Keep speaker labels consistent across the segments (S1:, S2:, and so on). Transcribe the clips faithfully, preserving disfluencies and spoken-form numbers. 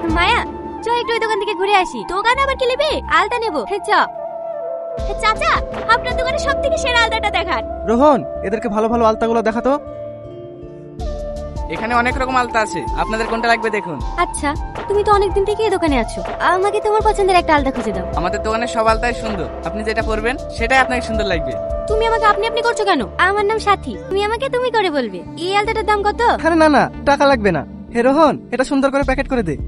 S1: মায়া চ একটু ওই দোকান থেকে ঘুরে আসি। দোকান আবার কি নেবে? আলতা নেবো। চ চাচা, আপনার দোকানে সব থেকে সেরা আলতাটা দেখান।
S2: রোহন, এদেরকে ভালো ভালো আলতাগুলো দেখাতো।
S3: এখানে অনেক রকম আলতা আছে, আপনাদের কোনটা লাগবে দেখুন।
S1: আচ্ছা, তুমি তো অনেকদিন থেকে এই দোকানে আছো, আমাকে তোমার পছন্দের একটা আলতা খুঁজে দাও।
S3: আমাদের দোকানের সব আলতাই সুন্দর, আপনি যেটা পরবেন সেটাই আপনাকে সুন্দর লাগবে।
S1: তুমি আমাকে আপনি আপনি করছো কেন? আমার নাম সাথী, তুমি আমাকে তুমি করে বলবে। এই আলতাটার দাম কত?
S2: আরে না না, টাকা লাগবে না। হে রোহন, এটা সুন্দর করে প্যাকেট করে দে।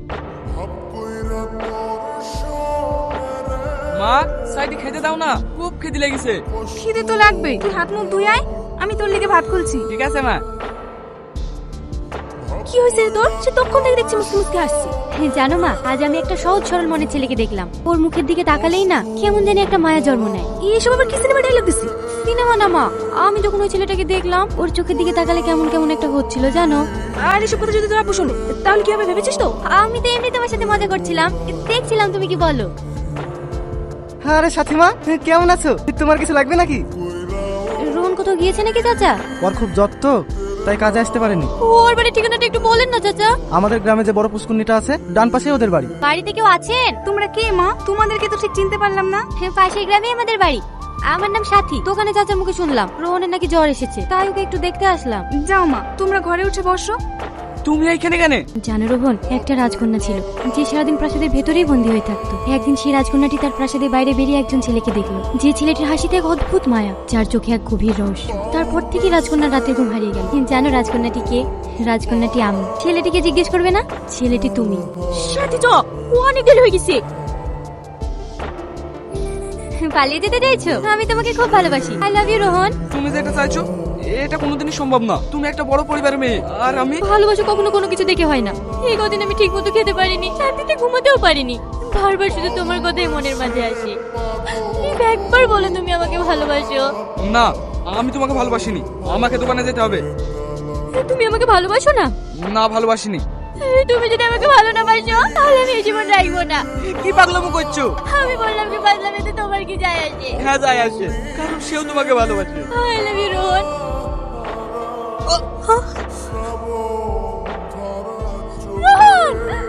S3: মা, সাইডে খেতে দাও না, খুব খিদে লেগেছে।
S4: খিদে তো লাগবে, তুই হাত মুখ ধুই আয়, আমি তোর লিগে ভাত খুলছি।
S3: ঠিক আছে মা।
S1: কি হয়েছে তোর? সে তখন থেকে দেখছি মুসকে মুসকে হাসছি। জানো মা, আজ আমি একটা সহজ সরল মনের ছেলেকে দেখলাম। ওর মুখের দিকে তাকালেই না কেমন জানি একটা মায়া জন্ম নেয়। এইসব আবার কি সিনেমা ডায়লগ দিছি? সিনেমা না মা, আমি যখন ওই ছেলেটাকে দেখলাম ওর চোখের দিকে তাকালে কেমন কেমন একটা হচ্ছিল জানো।
S4: আর এসব কথা যদি তোর আপু শোনে তাহলে কি হবে ভেবেছিস তো?
S1: আমি তো এমনি তোমার সাথে মজা করছিলাম, দেখছিলাম তুমি কি বলো।
S2: আরে সাথীমা, কেমন আছো? তোমার কিছু লাগবে নাকি?
S1: রোহন কোথাও গিয়েছে নাকি চাচা?
S2: ওর খুব যত্ন, তাই কাজে আসতে পারেনি।
S1: ওর বাড়ির ঠিকানাটা একটু বলেন না চাচা।
S2: আমাদের গ্রামে যে বড় পুষ্কুন্নিটা আছে, ডান পাশে ওদের বাড়ি।
S1: বাড়িতে কেউ আছেন?
S4: তোমরা কে মা? তোমাদেরকে তো ঠিক চিনতে পারলাম না।
S1: হ্যাঁ, পাশের গ্রামে আমাদের বাড়ি। আমার নাম সাথী। দোকানে চাচার মুখে শুনলাম রোহনের নাকি জ্বর এসেছে, তাই ওকে একটু দেখতে আসলাম।
S4: যাও মা, তোমরা ঘরে উঠে বসো।
S3: তুমি এইখানে কেন?
S1: জানো রোহন, একটা রাজকন্যা ছিল যে সারাদিন প্রাসাদের ভেতরেই বন্দী হয়ে থাকতো। একদিন সেই রাজকন্যাটি তার প্রাসাদের বাইরে বেরিয়ে একজন ছেলেকে দেখলো, যে ছেলেটির হাসিতে এক অদ্ভুত মায়া, যার চোখে এক গভীর রহস্য। তারপর থেকে রাজকন্যার রাতে ঘুম হারিয়ে গেল। জানো রাজকন্যাটি কে? রাজকন্যাটি আমি। ছেলেটিকে জিজ্ঞেস করবে না? ছেলেটি তুমি। সাথী চ, অনেক দেরি হয়ে গেছে। পালিয়ে যেতে চাইছো? আমি তোমাকে খুব ভালোবাসি। I love you Rohan.
S3: তুমি যেটা চাইছো এটা কোনোদিনই সম্ভব না। তুমি একটা বড় পরিবারের মেয়ে, আর আমি।
S1: ভালোবাসা কখনো কোনো কিছু দেখে হয় না। এই কদিন আমি ঠিক মতো খেতে পারিনি, শান্তিতে ঘুমাতেও পারিনি। বারবার শুধু তোমার কথাই মনের মাঝে আসে। প্লিজ একবার বলো তুমি আমাকে ভালোবাসো।
S3: না, আমি তোমাকে ভালোবাসিনি, আমাকে দোকানে যেতে হবে।
S1: তুমি আমাকে ভালোবাসো না?
S3: না, ভালোবাসিনি।
S1: তুমি যদি আমাকে ভালো না বাসো তাহলে আমি এই জীবন রাখবো না।
S3: কি পাগলামো করছো?
S1: আমি বললাম কি পাগলামিতে তোমার কি যায় আসে?
S3: হ্যাঁ যায় আসে, কারণ সেও তোমাকে ভালোবাসে।
S1: I love you Rohan. Rohan!